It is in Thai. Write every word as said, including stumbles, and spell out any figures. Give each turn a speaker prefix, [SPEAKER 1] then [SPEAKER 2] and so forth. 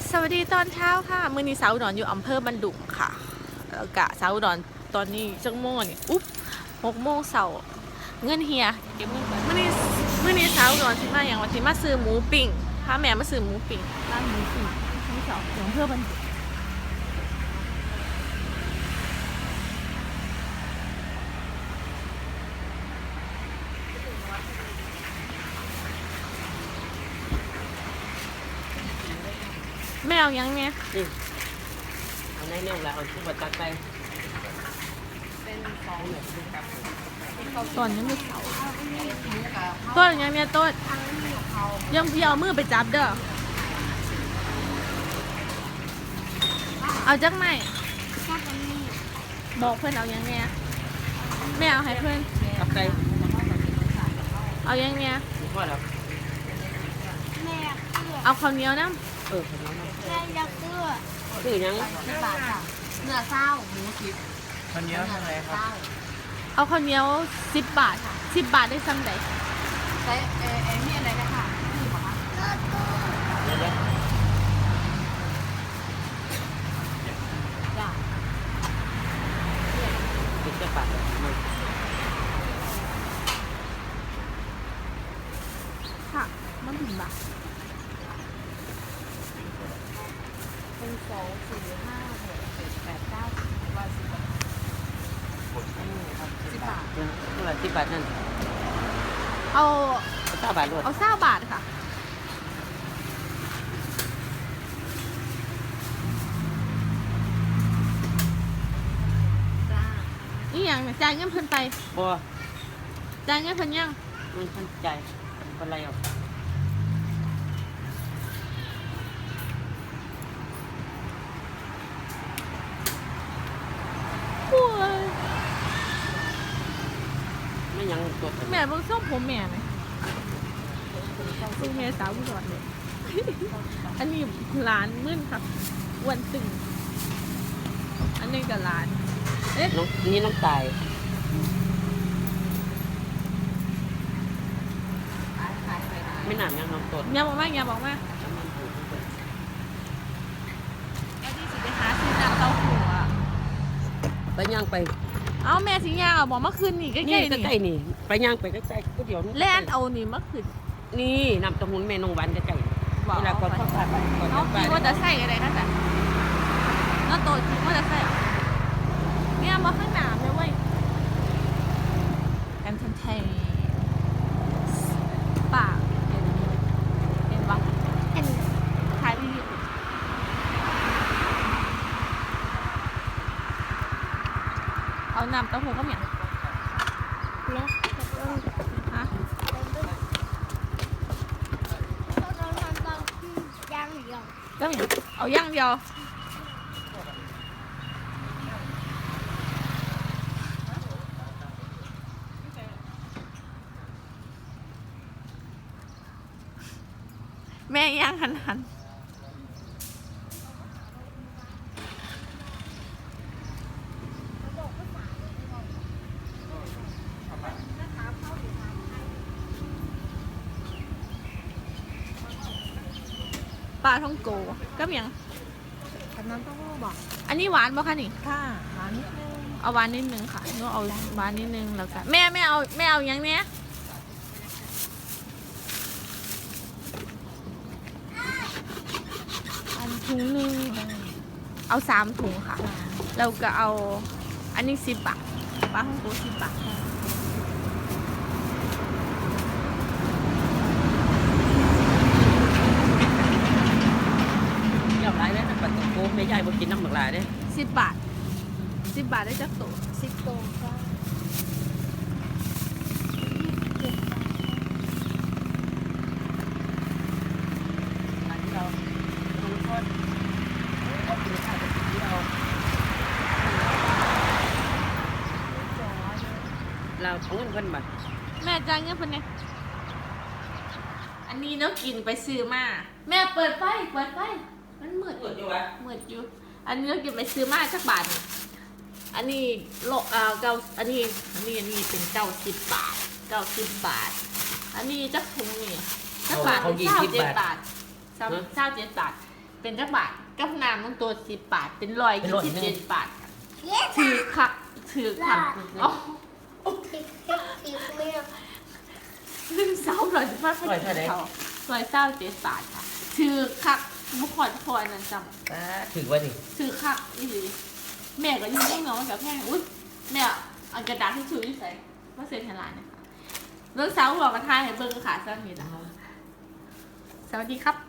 [SPEAKER 1] สวัสดีตอนเช้าค่ะมื้อนี้สาวอุดรอยู่อำเภอบันดุงค่ะแล้วกะสาวอุดรตอนนี้จังโมงนี่อุ๊บหกโมงเช้าเงินเฮียเก็บเงินก่อนมื้อนี้มื้อนี้สาวอุดรสิมาอย่างว่าสิมาซื้อหมูปิ้งพาแม่มาซื้อหมูปิ้งร้านหมูปิ้งทั้งสองของอำเภอบันดุงแม่เอายังเนี่ย
[SPEAKER 2] นี่เอาในเนี่ยละเอาทุกบัตรตักไปเป็นสองเนี่ยเป็นกับ
[SPEAKER 1] ตอนยังไม่เผาต้นยังเนี่ยต้นยังพี่เอามือไปจับเด้อเอาจักไหมบอกเพื่อนเอายังเนี่ยแม่เอาให้เพื่อน
[SPEAKER 2] ตักไป
[SPEAKER 1] เอายังเนี่ย
[SPEAKER 2] มีข้อแล้ว
[SPEAKER 3] แม่อยากเสื้อ
[SPEAKER 1] เอาข้าวเหนียวน้
[SPEAKER 2] เออผมน้อง
[SPEAKER 3] แม่อยากเสื้อ
[SPEAKER 2] คือยัง
[SPEAKER 3] สิบบาทค่ะเนื้อเศร้าหมูสิบ
[SPEAKER 4] คนเยอะเท่าไหร่ครับ
[SPEAKER 1] ำเอาข้าวเหนียวสิบบาทสิบบาทได้ซ้ำใด
[SPEAKER 3] ใช้เอเอนี่อะไรนะคะนี่บอกว่า
[SPEAKER 2] เดี๋ยวเดี๋ยว
[SPEAKER 3] จ้า
[SPEAKER 2] ติดกระปัดเลยมัน
[SPEAKER 1] ค่ะมันถึงบาท
[SPEAKER 3] เป็นสองสี่ห้าหกเจ็ดแปดเก้าสิบร้อยสิบบาทสิบบาท
[SPEAKER 2] เท่าไหร่สิบบาทนั่น
[SPEAKER 1] เอา
[SPEAKER 2] เก้าบาทรวด
[SPEAKER 1] เอาเศร้าบาทค่ะนี่ยังเนี่ยจ่ายเงินเพิ่นไป
[SPEAKER 2] บัว
[SPEAKER 1] จ่ายเงินเพิ่นยัง
[SPEAKER 2] มันทันใจเป็นไรอ่ะ
[SPEAKER 1] โอ้ย
[SPEAKER 2] ไม่ยังตัว
[SPEAKER 1] แม่เบิ่งส่งผมแม่ไหมคือแม่สาวอุดรเลย อันนี้ร้านมึนครับอ้วันตึง อันนี้ก็ร้าน เอ๊ะ
[SPEAKER 2] น้องนี่น้องตายไม่หนามยังน้องต้น
[SPEAKER 1] อย่าบอกมาอย่าบอกมา
[SPEAKER 2] น้ำมันถูก
[SPEAKER 1] ไอ้ที่สิไปหาซื้อน้ำเต้าหู้อ่ะ
[SPEAKER 2] ไปย่างไป
[SPEAKER 1] เอาแม่สิย่างเอาบอกมาคืนนี่ใกล้
[SPEAKER 2] นี่
[SPEAKER 1] ๆนี่
[SPEAKER 2] ใกล้ๆนี่ไปย่างไปใกล้ๆก็เดี๋ยว
[SPEAKER 1] แล่นเอานี่มาคืน
[SPEAKER 2] นี่น้ำเต้าหู้แม่นงหวานใกล้ๆ
[SPEAKER 1] บอก
[SPEAKER 2] เวลาก่อนเข้าไปก่อน
[SPEAKER 1] เอา
[SPEAKER 2] เข้าไป
[SPEAKER 1] คิดว่าจะใส่อะไรนั่นแหละแล้วโตคิดว่าจะใส่เนี่ยมาข้างหน้าเลยเว้ยแอนเทนเทนปากเห็นเห็นปะ
[SPEAKER 3] เห็น
[SPEAKER 1] ถ่ายวีดีโอเอาน้ำเต้าหู้ก็เหมียน
[SPEAKER 3] แล้ว
[SPEAKER 1] ฮะ
[SPEAKER 3] ต้องทำตอนที่ย่างเดียว
[SPEAKER 1] ก็เหมียนเอาย่างเดียวแม่ย่างหันหันปลาท่องโกก็เหมียง
[SPEAKER 3] กับน้ำเต้าหู้บอก
[SPEAKER 1] อันนี้หวานป่ะคะนี่
[SPEAKER 3] ค่ะหวานนิดนึง
[SPEAKER 1] เอาหวานนิดนึงค่ะหนูเอาหวานนิดนึงแล้วกันแม่ไม่เอาไม่เอาอย่างเนี้ยอันถุงหนึงเอาสามถุงค่ะแล้วก็เอาอันนี้สิบบาทปลาท่องโกสิบบาท
[SPEAKER 2] เรียบร้อยแล้วนะปัดตะโกไม่ใหญ่บ่กินน้ำหมึกหลายเด้
[SPEAKER 1] สิบบาทสิบบาทได้จักตัว
[SPEAKER 3] สิบโตก็เจ็ดบาท
[SPEAKER 2] อันที่เราทุกคนเอากินข้าวกับที่เราเราเอาเงินเพิ่นบ่
[SPEAKER 1] แม่จ่ายเงินเพิ่นเนี่ยอันนี้เนาะกินไปซื้อมาแม่เปิดไฟเปิดไฟมันมืด
[SPEAKER 2] เปิดอยู่วะ
[SPEAKER 1] มืดอยู่ อันนี้เราเก็บไปซื้อมาสักบาทหนึ่งอันนี้โลอ่าเก้าอันนี้ อันนี้ อันนี้เป็นเก้าสิบบาทเก้าสิบบาท อันนี้จักถุงนี่สักบาท
[SPEAKER 2] เขายี่
[SPEAKER 1] เก้า
[SPEAKER 2] สิบ
[SPEAKER 1] เจ็ด
[SPEAKER 2] บาท
[SPEAKER 1] บาทเก้าเจ็ดบาทเป็นจักบาทกับน้ำต้องตัวสิบบาทเป็นร้อยยี่สิบเจ็ดบาทถือคักถือคักอ๋อซึ่งเสาหน่อยจะมาเป็นเขาร้อยเก้าเจ็ดบาทค่ะถือคักบุคคลพอนั่นจำ
[SPEAKER 2] อ่าถือว่าดิ
[SPEAKER 1] ถือคักอีหลีแม่ก็อยืนนิ่งเนาะกับแพงอุ้ยแม่เอากระดาษที่ชูที่ใส่มาเซ็นให้หลานนะคะเรื่องเสาหลอกกระทายให้เบิ้งค่ะสวัสดีค่ะสวัสดีครับ